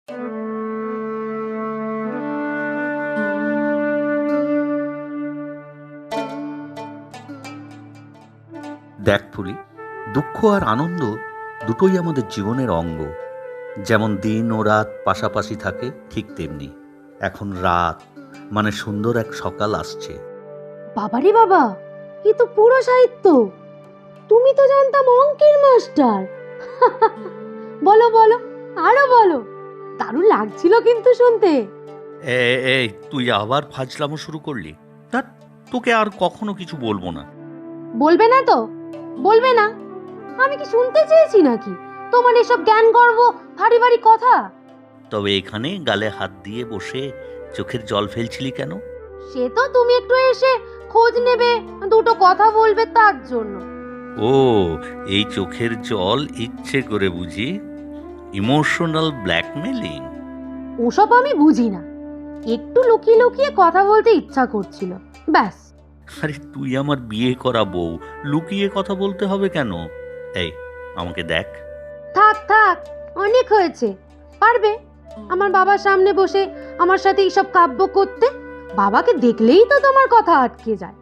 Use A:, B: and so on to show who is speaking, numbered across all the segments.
A: দেখ ফুলি, দুঃখ আর আনন্দ দুটোই আমাদের জীবনের অঙ্গ। যেমন দিন ও রাত পাশাপাশি থাকে, ঠিক তেমনি এখন রাত মানে সুন্দর এক সকাল আসছে।
B: বাবারে বাবা, এ তো পুরো সাহিত্য। তুমি তো জানতাম অঙ্কের মাস্টার। বলো বলো, আরো বলো। দারুণ লাগছিল কিন্তু শুনতে।
A: এই তুই আবার ফাজলামো শুরু করলি? ধ্যাৎ, তোকে আর কখনো কিছু বলবো না।
B: বলবে না তো? বলবে না? আমি কি শুনতে চেয়েছি নাকি তোমার এসব জ্ঞান গর্ব ভারী ভারী কথা?
A: তবে এখানে গালে হাত দিয়ে বসে চোখের জল ফেলছিলি কেন?
B: সে তো তুমি একটু এসে খোঁজ নেবে, দুটো কথা বলবে তার জন্য।
A: ও, এই চোখের জল ইচ্ছে করে বুঝি? Emotional blackmailing?
B: ওসব আমি বুঝি না। একটু লুকিয়ে লুকিয়ে কথা বলতে ইচ্ছা করছিল, ব্যাস।
A: আরে তুই আমার বিয়ে করা বউ, লুকিয়ে কথা বলতে হবে কেন? এই, আমাকে দেখ।
B: থাক থাক, অনেক হয়েছে। পারবে আমার বাবার সামনে বসে আমার সাথে এইসব কাব্য করতে? বাবাকে দেখলেই তো তোমার কথা আটকে যায়।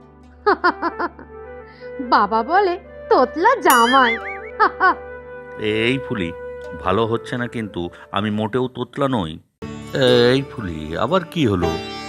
B: বাবা বলে তোতলা জামাই।
A: এই ফুলি, ভালো হচ্ছে না কিন্তু। আমি মোটেও তোতলা নই। এই ফুলি, আবার কি হলো?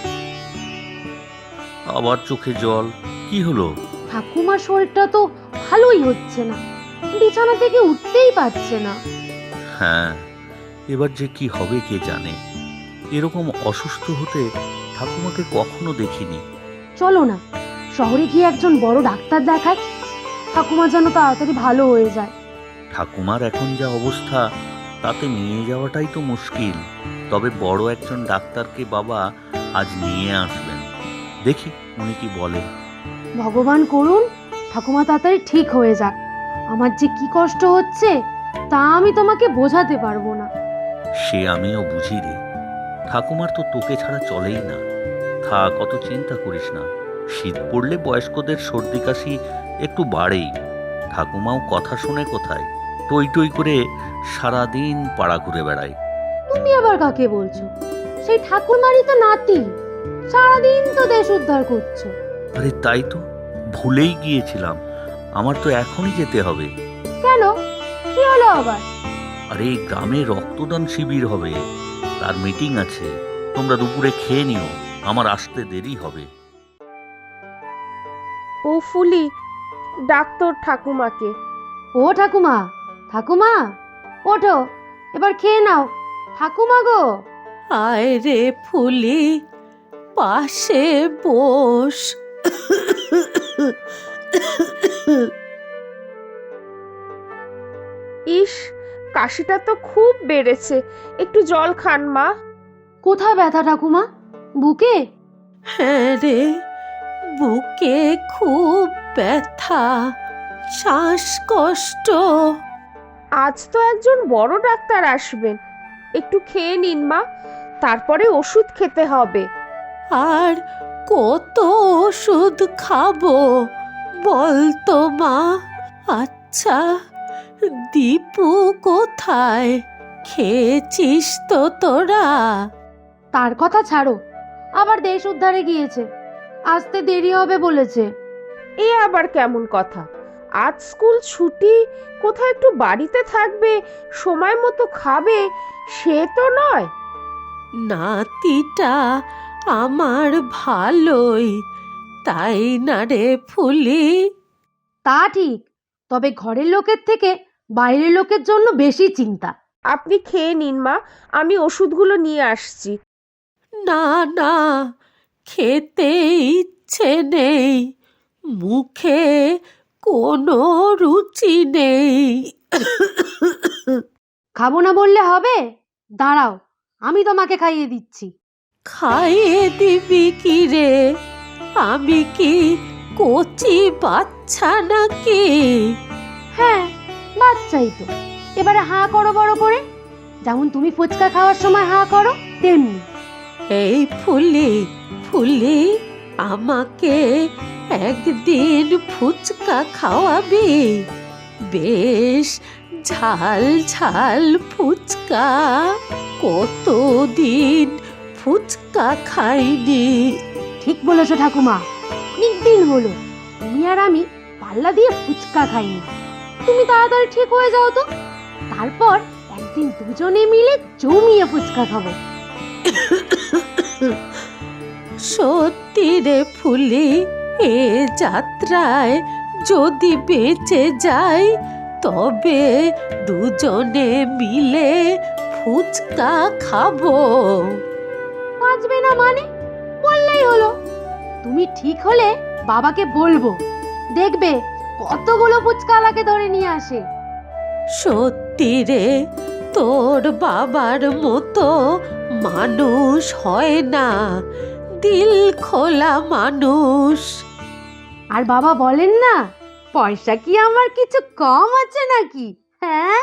A: আবার চোখে জল, কি হলো?
B: ঠাকুমার শরীরটা তো ভালোই হচ্ছে না, বিছানা থেকে উঠতেই পারছে না।
A: হ্যাঁ, এবার যে কি হবে কে জানে। এরকম অসুস্থ হতে ঠাকুমাকে কখনো দেখিনি।
B: চলো না, শহরে গিয়ে একজন বড় ডাক্তার দেখাই। ঠাকুমা যেন তাড়াতাড়ি ভালো হয়ে যায়।
A: ঠাকুমার এখন যা অবস্থা, তাতে নিয়ে যাওয়াটাই তো মুশকিল। তবে বড় একজন ডাক্তারকে বাবা আজ নিয়ে আসবেন, দেখি উনি কি বলেন।
B: ভগবান করুন ঠাকুমা তাড়াতাড়ি ঠিক হয়ে যাক। আমার যে কি কষ্ট হচ্ছে তা আমি তোমাকে বোঝাতে পারবো না।
A: সে আমিও বুঝি রে। ঠাকুমার তো তোকে ছাড়া চলেই না। থাক, অত চিন্তা করিস না। শীত পড়লে বয়স্কদের সর্দি কাশি একটু বাড়েই। ঠাকুমাও কথা শুনে কোথায়, টই টই করে সারাদিন পাড়া ঘুরে বেড়ায়।
B: তুমি আবার কাকে বলছো? সেই ঠাকুরমারই তো নাতি, সারাদিন তো দেশ উদ্ধার করছো।
A: আরে তাই তো, ভুলেই গিয়েছিলাম। আমার তো এখনই যেতে হবে।
B: কেন, কি হলো আবার?
A: আরে গ্রামে রক্তদান শিবির হবে, তার মিটিং আছে। তোমরা দুপুরে খেয়ে নিও, আমার আসতে দেরি হবে।
C: ও ফুলি, ডাক্তার ঠাকুমাকে।
B: ও ঠাকুমা, ঠাকুমা ওঠো, এবার খেয়ে নাও। ঠাকুমা গো।
D: আয় রে ফুলি, পাশে বস।
C: ইস, কাশিটা তো খুব বেড়েছে, একটু জল খান মা।
B: কোথায় ব্যথা ঠাকুমা? বুকে?
D: হ্যাঁ রে, বুকে খুব ব্যথা, শ্বাসকষ্ট।
C: আজ তো একজন বড় ডাক্তার আসবেন, একটু খেয়ে নিন মা, তারপরে ওষুধ খেতে হবে।
D: আর কত ওষুধ খাবো বলতো মা? আচ্ছা, দীপু কোথায়? খেয়েছিস তো তোরা?
B: তার কথা ছাড়ো, আবার দেশ উদ্ধারে গিয়েছে, আসতে দেরি হবে বলেছে।
C: এ আবার কেমন কথা? আজ স্কুল ছুটি, কোথায় একটু বাড়িতে থাকবে, সময় মতো খাবে, সে তো নয়।
D: নাতিটা আমার ভালোই, তাই না রে ফুলি?
B: তা ঠিক, তবে ঘরের লোকের থেকে বাইরের লোকের জন্য বেশি চিন্তা।
C: আপনি খেয়ে নিন মা, আমি ওষুধগুলো নিয়ে আসছি।
D: না না, খেতে ইচ্ছে নেই, মুখে কোনো রুচি নেই।
B: খাবো না বললে হবে? দাঁড়াও, আমি তোমাকে খাইয়ে দিচ্ছি।
D: খাইয়ে দিবি কি রে? আমি কি কচি বাচ্চা নাকি?
B: হ্যাঁ, বাচ্চাই তো। এবারে হাঁ করো বড় করে, যেমন তুমি ফুচকা খাওয়ার সময় হাঁ করো তেমনি।
D: এই ফুলি, ফুলি, আমাকে একদিন ফুচকা খাওয়াবি? বেশ ঝাল ঝাল ফুচকা। কতদিন ফুচকা খাইনি।
B: ঠিক বলেছো ঠাকুমা, অনেকদিন হলো তুমি আর আমি পাল্লা দিয়ে ফুচকা খাইনি। তুমি তাড়াতাড়ি ঠিক হয়ে যাও তো, তারপর একদিন দুজনে মিলে জমিয়ে ফুচকা খাবো।
D: সত্যি রে ফুলি, এ যাত্রায় যদি বেঁচে যাই তবে দুজনে মিলে ফুচকা খাবো।
B: বাঁচবে না মানে? বললেই হলো। তুমি ঠিক হলে বাবাকে বলবো, দেখবে কতগুলো ফুচকাওয়ালাকে ধরে নিয়ে আসে।
D: সত্যি রে, তোর বাবার মতো মানুষ হয় না, দিল খোলা মানুষ।
B: আর বাবা বলেন না, পয়সা কি আমার কিছু কম আছে নাকি? হ্যাঁ,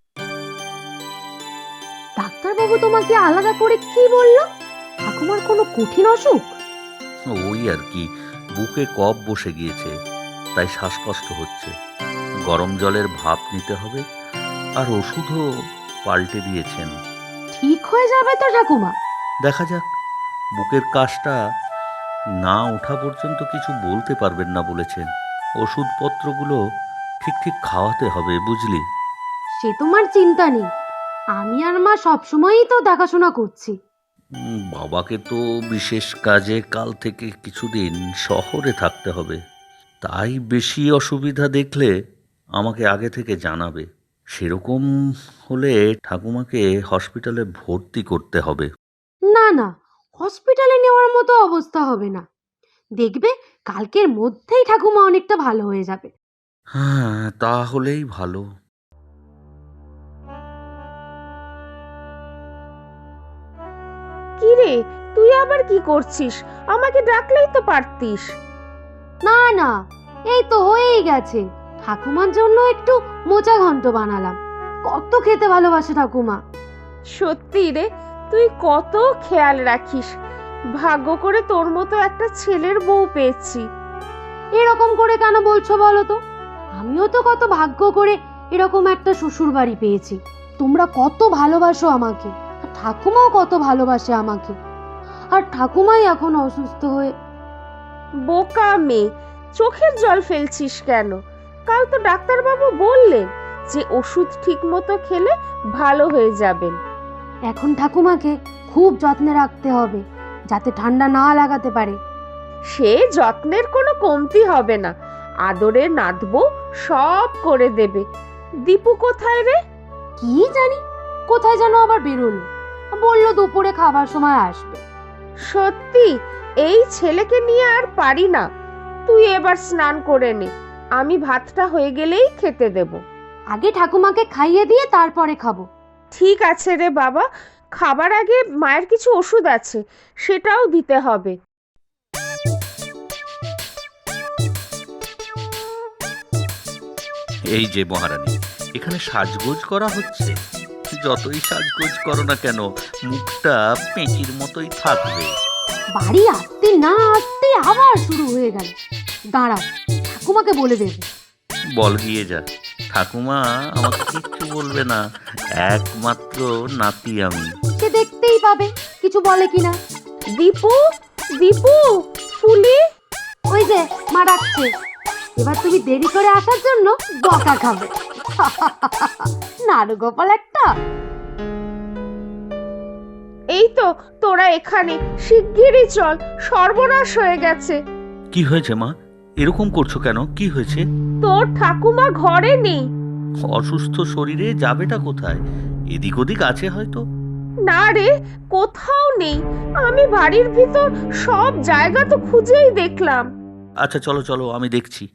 B: ডাক্তারবাবু তোমাকে আলাদা করে কি বললো? ঠাকুমার কোনো কঠিন অসুখ?
A: ওই আর কি, বুকে কফ বসে গিয়েছে, তাই শ্বাসকষ্ট হচ্ছে। গরম জলের ভাপ নিতে হবে, আর ওষুধও পাল্টে দিয়েছেন।
B: ঠিক হয়ে যাবে তো ঠাকুমা?
A: দেখা যাক, বুকের কাশটা না ওঠা পর্যন্ত কিছু বলতে পারবেন না বলেছেন। ওষুধপত্রগুলো ঠিক ঠিক খাওয়াতে হবে, বুঝলি?
B: সে তোমার চিন্তা নেই, আমি আর মা সবসময়ই তো দেখাশোনা করছি।
A: বাবাকে তো বিশেষ কাজে কাল থেকে কিছুদিন শহরে থাকতে হবে, তাই বেশি অসুবিধা দেখলে আমাকে আগে থেকে জানাবে। সেরকম হলে ঠাকুমাকে হসপিটালে ভর্তি করতে হবে।
B: না না, হসপিটালে নেওয়ার মতো অবস্থা হবে না। দেখবে কালকের মধ্যেই ঠাকুমা অনেকটা ভালো হয়ে যাবে।
A: হ্যাঁ, তাহলেই ভালো।
C: কি রে, তুই আবার কি করছিস? আমাকে ডাকলেই তো পারতিস।
B: না না, এই তো হয়েই গেছে। ঠাকুমার জন্য একটু মোচা ঘন্ট বানালাম। কত খেতে ভালোবাসে ঠাকুমা।
C: সত্যি রে, তুই কত খেয়াল রাখিস। ভাগ্য করে তোর মতো একটা ছেলের বউ পেয়েছি।
B: এরকম করে কেন বলছো বলো তো? আমিও তো কত ভাগ্য করে এরকম একটা শ্বশুর বাড়ি পেয়েছি। তোমরা কত ভালোবাসো আমাকে, আর ঠাকুমাও কত ভালোবাসে আমাকে। আর ঠাকুমাই এখন অসুস্থ হয়ে।
C: বোকা মেয়ে, চোখের জল ফেলছিস কেন? কাল তো ডাক্তারবাবু বললেন যে ওষুধ ঠিক মতো খেলে ভালো হয়ে যাবেন।
B: এখন ঠাকুমাকে খুব যত্নে রাখতে হবে, যাতে ঠান্ডা না লাগাতে পারে।
C: সে যত্নের কোনো কমতি হবে না। আদরে নাদবো, সব করে দেবে। দীপু কোথায় রে?
B: কি জানি কোথায় যেন আবার বেরোলো, বললো দুপুরে খাবার সময় আসবে।
C: সত্যি, এই ছেলেকে নিয়ে আর পারি না। তুই এবার স্নান করে নে, আমি ভাতটা হয়ে গেলেই খেতে দেব।
B: আগে ঠাকুমাকে খাইয়ে দিয়ে তারপরে খাবো।
C: ঠিক আছে রে বাবা, খাবার আগে মায়ের কিছু ওষুধ আছে, সেটাও দিতে হবে।
A: এই যে মহারানী, এখানে সাজগোজ করা হচ্ছে। যতই সাজগোজ করো না কেন, মুখটা পেঁচির মতোই থাকবে।
B: বাড়ি আসতে না আসতে আবার শুরু হয়ে গেল। দাঁড়াও, ঠাকুমাকে বলে দেবে।
A: বল গিয়ে যা, ঠাকুমা আমাকে কিচ্ছু বলবে না, একমাত্র নাতি আমি।
B: সে দেখতেই পাবে কিছু বলে কিনা।
C: দীপু, দীপু, ফুলি।
B: ওই যে মা ডাকছে। এবার তুমি দেরি করে আসার জন্য বকা খাবে। নাড়ু গোপাল একটা।
C: এই তো তোরা এখানে, শিগগিরই চল, সর্বনাশ হয়ে গেছে।
A: কি হয়েছে মা? এরকম করছো কেন? কি হয়েছে?
C: তোর ঠাকুমা ঘরে নেই।
A: অসুস্থ শরীরে যাবেটা কোথায়? এদিক ওদিক আছে হয়তো।
C: না রে, কোথাও নেই। আমি বাড়ির ভিতর সব জায়গা তো খুঁজেই দেখলাম।
A: আচ্ছা চলো চলো, আমি দেখছি।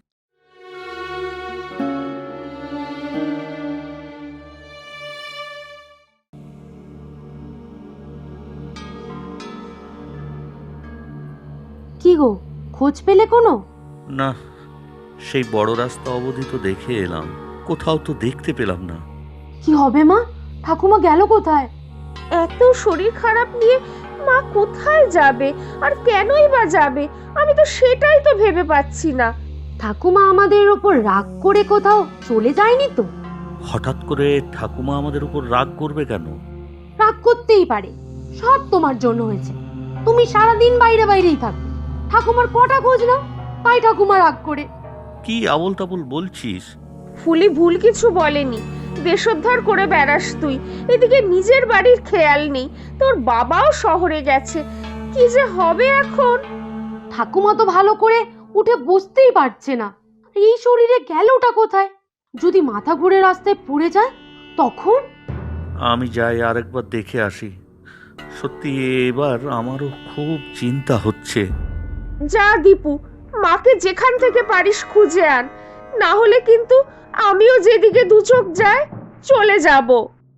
B: কি গো, খোঁজ পেলে কোনো?
A: না, সেই বড় রাস্তা অবধি তো দেখে এলাম, কোথাও তো দেখতে পেলাম না।
B: কি হবে মা? ঠাকুমা গেল কোথায়?
C: এত শরীর খারাপ নিয়ে মা কোথায় যাবে, আর কেনই বা যাবে? আমি তো সেটাই তো ভেবে পাচ্ছি না।
B: ঠাকুমা আমাদের ওপর রাগ করে কোথাও চলে যায়নি তো?
A: হঠাৎ করে ঠাকুমা আমাদের উপর রাগ করবে কেন?
B: রাগ করতেই পারে, সব তোমার জন্য হয়েছে। তুমি সারাদিন বাইরে বাইরেই থাকো, ঠাকুমার কটা খোঁজ নাও, তাই ঠাকুমা রাগ করে।
A: কি আবল তাবল বলছিস?
C: ফুলি ভুল কিছু বলেনি। দেশোদ্ধার করে বেড়াস তুই, এদিকে নিজের বাড়ির খেয়াল নেই। তোর বাবাও শহরে গেছে, কি যে হবে এখন।
B: ঠাকুমা তো ভালো করে উঠে বসতেই পারছে না, এই শরীরে গেলটা কোথায়? যদি মাথা ঘুরে রাস্তায় পড়ে যায় তখন?
A: আমি যাই আরেকবার দেখে আসি। সত্যি এবার আমারও খুব চিন্তা হচ্ছে।
C: যা দীপু, মাকে যেখান থেকে পারিস খুঁজে আন, না হলে কিন্তু আমিও যেদিকে দু চোখ যায় চলে যাব।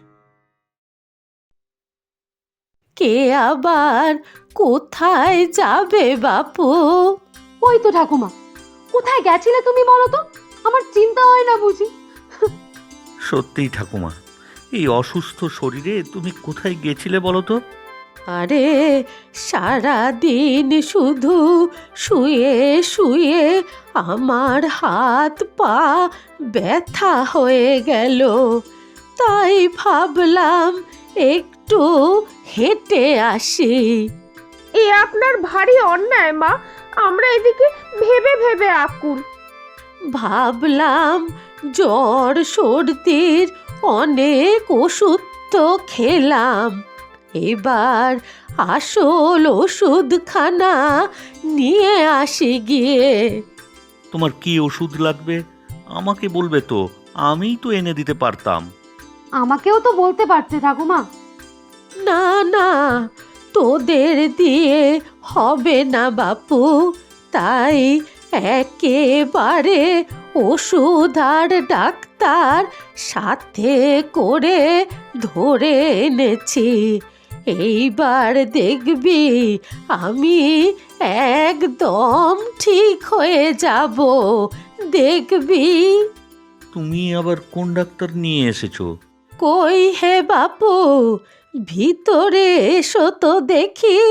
D: কে আবার কোথায় যাবে বাপু?
B: ওই তো ঠাকুমা, কোথায় গেছিলে তুমি বলো তো? আমার চিন্তা হয় না বুঝি?
A: সত্যিই ঠাকুমা, এই অসুস্থ শরীরে তুমি কোথায় গেছিলে বলো তো?
D: আরে সারাদিন শুধু শুয়ে শুয়ে আমার হাত পা ব্যথা হয়ে গেল, তাই ভাবলাম একটু হেঁটে আসি।
C: এ আপনার ভারী অন্যায় মা, আমরা এদিকে ভেবে ভেবে আকুল।
D: ভাবলাম জ্বর সর্দির অনেক ওষুধ তো খেলাম, এবার আসল ওষুধখানা নিয়ে আসি গিয়ে।
A: তোমার কি ওষুধ লাগবে আমাকে বলবে তো, আমিই তো এনে দিতে পারতাম।
B: আমাকেও তো বলতে পারতে ঠাকুমা।
D: না না, তোদের দিয়ে হবে না বাপু, তাই একেবারে ওষুধ আর ডাক্তার সাথে করে ধরে এনেছি। এইবার দেখবি আমি একদম ঠিক হয়ে যাব, দেখবি।
A: তুমি আবার কোন ডাক্তার নিয়ে এসেছো?
D: কই হে বাপু, ভিতরে এসো তো দেখি।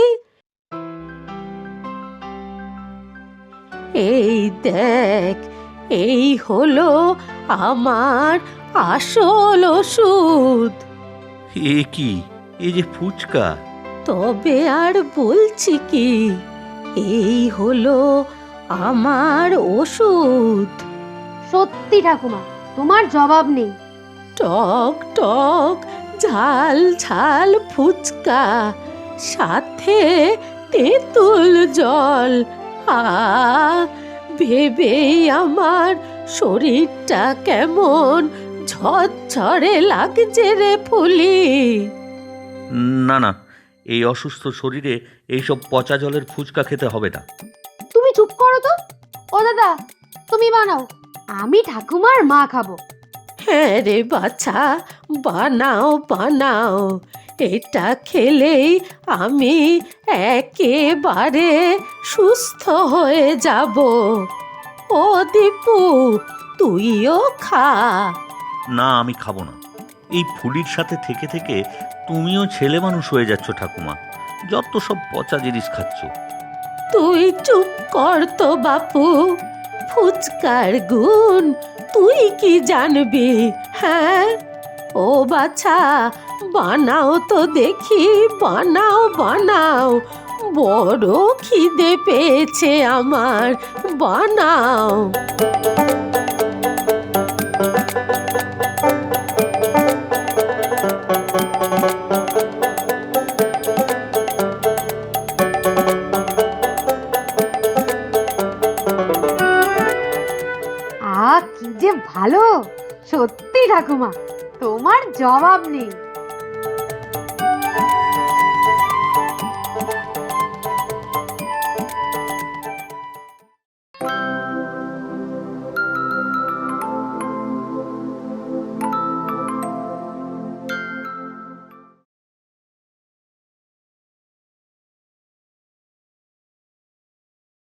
D: এই দেখ, এই হলো আমার আসল ওষুধ।
A: এ কি, এ যে ফুচকা!
D: তবে আর বলছি কি, এই হলো আমার ওষুধ।
B: সত্যি ঠাকুমা, তোমার জবাব নেই।
D: টক টক ঝাল ঝাল ফুচকা, সাথে তেঁতুল জল। ভেবেই আমার শরীরটা কেমন ঝরঝরে লাগছে রে ফুলি।
A: না না, এই অসুস্থ শরীরে এইসব পচা জলের ফুচকা খেতে হবে না।
B: তুমি চুপ করো তো। ও দাদা, তুমি বানাও, আমি ঠাকুমার মা খাবো।
D: হ্যাঁ রে বাছা, বানাও বানাও, এটা খেলেই আমি একেবারে সুস্থ হয়ে যাব। ও দীপু, তুইও খা।
A: না, আমি খাবো না। এই ফুলির সাথে থেকে থেকে তুমিও ছেলে মানুষ হয়ে যাচ্ছ ঠাকুমা, যত সব পচা জিনিস খাচ্ছ।
D: তুই চুপ কর তো বাপু, ফুচকার গুণ তুই কি জানবি? হ্যাঁ, ও বাছা, বানাও তো দেখি, বানাও বানাও, বড় খিদে পেয়েছে আমার, বানাও।
B: কি যে ভালো, সত্যি ঠাকুমা, তোমার জবাব নেই।